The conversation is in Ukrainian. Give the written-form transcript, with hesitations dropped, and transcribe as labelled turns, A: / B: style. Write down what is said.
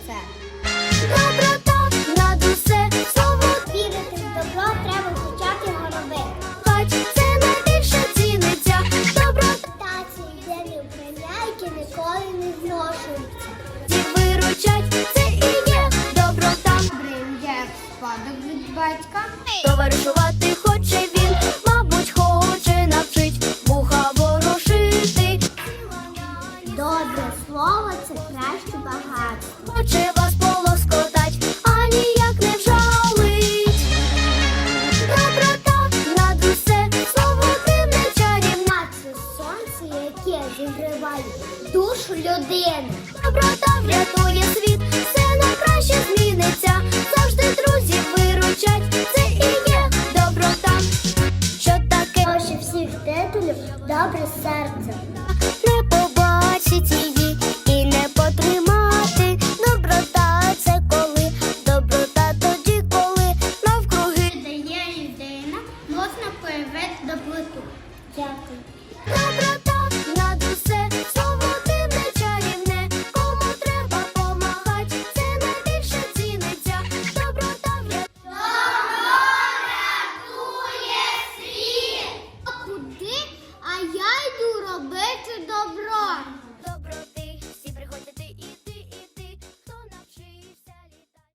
A: це. Доброта над усе слово. Вірити в добро треба почати його робити. Бач, це найбільше ціниться. Доброта це єдині вбрання, які ніколи не зношуються. Ті виручать, це і є доброта. Бринь, як спадок від батька. Товаришувати